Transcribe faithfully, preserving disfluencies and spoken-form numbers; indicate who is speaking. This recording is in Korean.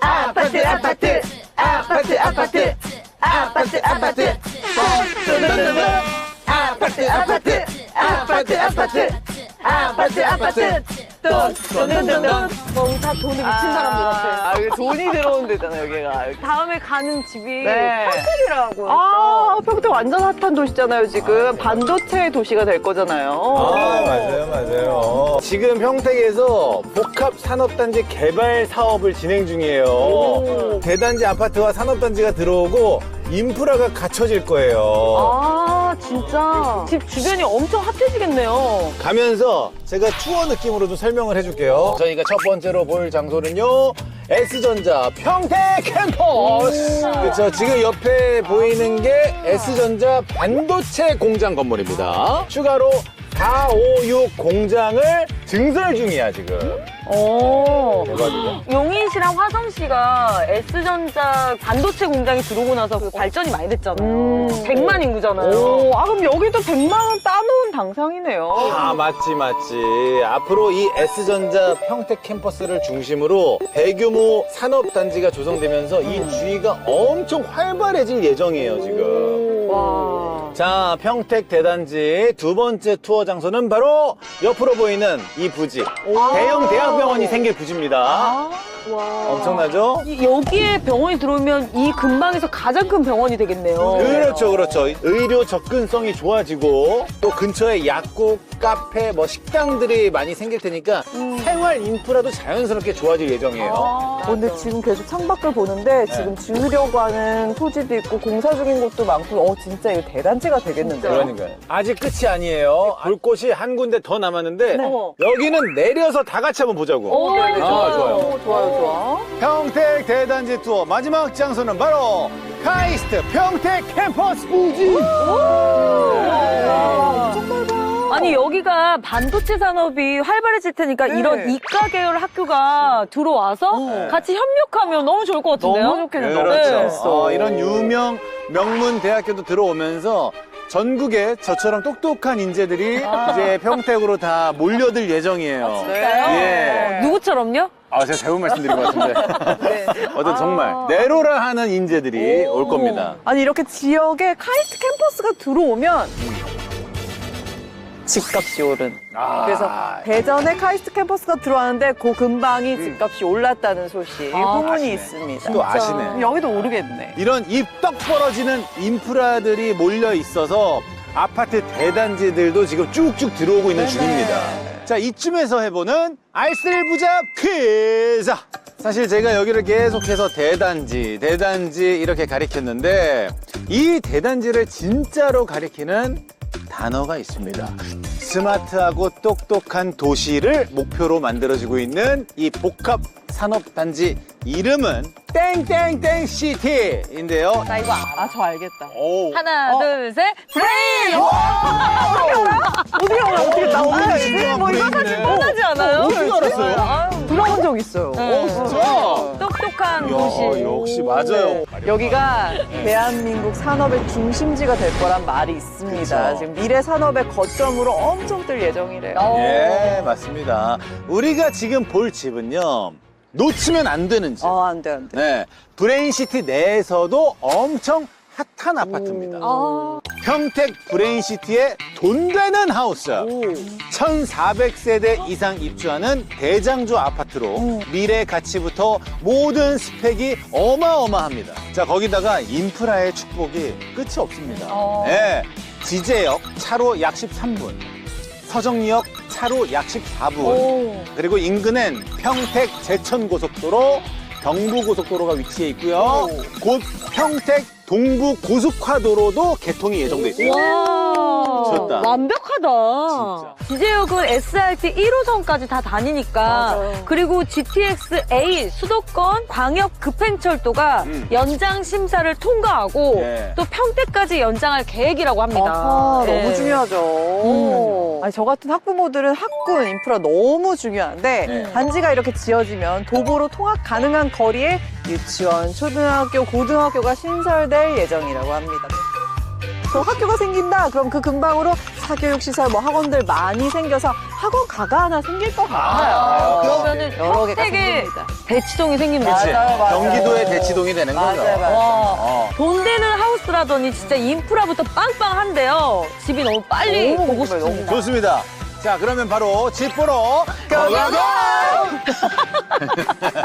Speaker 1: 아파트 아파트 아파트 아파트 아파트 아파트 아파트 아파트 아파트 아파트 아파트 아파트 돈돈돈돈
Speaker 2: 다 돈이 미친 사람들 같아.
Speaker 3: 아, 여기 돈이 들어온 데잖아, 여기가.
Speaker 2: 다음에 가는 집이
Speaker 3: 네.
Speaker 2: 평택이라고.
Speaker 3: 아, 평택 완전 핫한 도시잖아요, 지금. 반도체 도시가 될 거잖아요.
Speaker 4: 아, 맞아요, 맞아요. 지금 평택에서 복합산업단지 개발 사업을 진행 중이에요.
Speaker 3: 오.
Speaker 4: 대단지 아파트와 산업단지가 들어오고 인프라가 갖춰질 거예요.
Speaker 3: 아, 진짜. 집 주변이 엄청 핫해지겠네요.
Speaker 4: 가면서 제가 투어 느낌으로 좀 설명을 해줄게요. 저희가 첫 번째로 볼 장소는요, S전자 평택 캠퍼스. 그렇죠. 지금 옆에 보이는 게 S전자 반도체 공장 건물입니다. 추가로 사오육 공장을 증설 중이야, 지금.
Speaker 3: 오.
Speaker 4: 대박이죠?
Speaker 2: 용인시랑 화성시가 S전자 반도체 공장이 들어오고 나서 그 발전이 많이 됐잖아요.
Speaker 3: 음.
Speaker 2: 백만 인구잖아요.
Speaker 3: 오, 아, 그럼 여기도 백만 원 따놓은 당상이네요.
Speaker 4: 아, 맞지, 맞지. 앞으로 이 S전자 평택 캠퍼스를 중심으로 대규모 산업단지가 조성되면서 이 주위가 엄청 활발해질 예정이에요, 지금.
Speaker 3: 와.
Speaker 4: 자, 평택 대단지 두 번째 투어 장소는 바로 옆으로 보이는 이 부지. 대형 대학병원이 생길 부지입니다.
Speaker 3: 와.
Speaker 4: 엄청나죠?
Speaker 2: 이- 여기에 병원이 들어오면 이 근방에서 가장 큰 병원이 되겠네요.
Speaker 4: 그렇죠, 그렇죠. 의료 접근성이 좋아지고 또 근처에 약국, 카페, 뭐 식당들이 많이 생길 테니까 생활 인프라도 자연스럽게 좋아질 예정이에요.
Speaker 3: 어, 근데 지금 계속 창밖을 보는데 지금 지으려고 하는 토지도 있고 공사 중인 곳도 많고 어 진짜 이거 대단지가 되겠는데요?
Speaker 4: 그러니까요. 아직 끝이 아니에요. 볼 곳이 한 군데 더 남았는데 여기는 내려서 다 같이 한번 보자고.
Speaker 2: 오, 네, 네,
Speaker 4: 아,
Speaker 2: 좋아요.
Speaker 4: 좋아요.
Speaker 3: 오, 좋아요, 좋아.
Speaker 4: 평택 대단지 투어 마지막 장소는 바로 카이스트 평택 캠퍼스 부지.
Speaker 2: 아니 여기가 반도체 산업이 활발해질 테니까
Speaker 3: 네.
Speaker 2: 이런 이과 계열 학교가 들어와서
Speaker 4: 네.
Speaker 2: 같이 협력하면 너무 좋을 것 같은데요?
Speaker 3: 너무 좋겠는데.
Speaker 4: 그렇죠. 어, 이런 유명 명문 대학교도 들어오면서 전국에 저처럼 똑똑한 인재들이 이제 평택으로 다 몰려들 예정이에요. 예.
Speaker 2: 누구처럼요?
Speaker 4: 아, 제가 잘못 말씀드린 것 같은데. 어떤 정말 내로라 하는 인재들이 올 겁니다.
Speaker 3: 아니 이렇게 지역에 카이스트 캠퍼스가 들어오면 집값이 오른.
Speaker 4: 아,
Speaker 3: 그래서 대전에 카이스트 캠퍼스가 들어왔는데 그 근방이 집값이 올랐다는 소식 후문이
Speaker 4: 아시네.
Speaker 3: 있습니다.
Speaker 4: 또 아시네.
Speaker 3: 여기도 오르겠네.
Speaker 4: 이런 입떡 벌어지는 인프라들이 몰려 있어서 아파트 대단지들도 지금 쭉쭉 들어오고 있는 중입니다. 자, 이쯤에서 해보는 알쓸 부자 퀴즈! 사실 제가 여기를 계속해서 대단지, 대단지 이렇게 가리켰는데 이 대단지를 진짜로 가리키는 단어가 있습니다. 스마트하고 똑똑한 도시를 목표로 만들어지고 있는 이 복합 산업단지 이름은 땡땡땡 시티인데요.
Speaker 3: 나 이거 알아. 저 알겠다.
Speaker 4: 오.
Speaker 2: 하나,
Speaker 3: 어.
Speaker 2: 둘, 셋, 브레인!
Speaker 3: 어떻게 알아? 어떻게 나 어떻게 알지?
Speaker 4: 진짜
Speaker 3: 뭐 이거
Speaker 4: 브레인이네.
Speaker 2: 뻔하지 않아요?
Speaker 4: 어떻게 알았어요?
Speaker 3: 들어본 적 있어요.
Speaker 4: 오, 진짜?
Speaker 2: 똑똑한
Speaker 4: 야,
Speaker 2: 도시.
Speaker 4: 역시 맞아요.
Speaker 3: 여기가 대한민국 산업의 중심지가 될 거란 말이 있습니다.
Speaker 4: 그쵸.
Speaker 3: 지금 미래 산업의 거점으로 엄청 뜰 예정이래요.
Speaker 4: 예, 맞습니다. 우리가 지금 볼 집은요, 놓치면 안 되는 집.
Speaker 3: 어, 안 돼, 안 돼.
Speaker 4: 네, 브레인시티 내에서도 엄청 핫한 아파트입니다.
Speaker 2: 아,
Speaker 4: 평택 브레인시티의 돈 되는 하우스. 천사백 세대 이상 입주하는 대장주 아파트로 미래 가치부터 모든 스펙이 어마어마합니다. 자, 거기다가 인프라의 축복이 끝이 없습니다. 네, 지제역 차로 약 십삼 분, 서정리역 차로 약 십사 분, 그리고 인근엔 평택 제천고속도로, 경부고속도로가 위치해 있고요. 곧 평택 동부고속화도로도 개통이 예정돼 있습니다.
Speaker 2: 와,
Speaker 4: 미쳤다.
Speaker 2: 완벽하다. 지제역은 에스알티 일 호선까지 다 다니니까
Speaker 3: 맞아요.
Speaker 2: 그리고 지티엑스 A 수도권 광역 급행철도가
Speaker 4: 음.
Speaker 2: 연장 심사를 통과하고
Speaker 4: 네.
Speaker 2: 또 평택까지 연장할 계획이라고 합니다.
Speaker 3: 아하,
Speaker 2: 네.
Speaker 3: 너무 중요하죠. 아니, 저 같은 학부모들은 학군 인프라 너무 중요한데
Speaker 4: 네.
Speaker 3: 단지가 이렇게 지어지면 도보로 통학 가능한 거리에 유치원, 초등학교, 고등학교가 신설될 예정이라고 합니다. 저 학교가 생긴다. 그럼 그 근방으로 사교육 시설, 뭐 학원들 많이 생겨서 학원 가가 하나 생길 것 같아요.
Speaker 4: 아,
Speaker 2: 그러면은
Speaker 3: 여러 개가
Speaker 2: 평택에
Speaker 3: 생깁니다.
Speaker 2: 대치동이 생기면
Speaker 4: 그치?
Speaker 3: 맞아요, 맞아요.
Speaker 4: 경기도의 대치동이 되는 거죠.
Speaker 3: 맞아요, 맞아요.
Speaker 2: 와,
Speaker 4: 어.
Speaker 2: 돈 되는 하우스라더니 진짜 인프라부터 빵빵한데요. 집이 너무 빨리
Speaker 3: 너무
Speaker 2: 보고
Speaker 3: 궁금해, 너무
Speaker 2: 싶습니다.
Speaker 4: 좋습니다. 자, 그러면 바로 집 보러 고고고!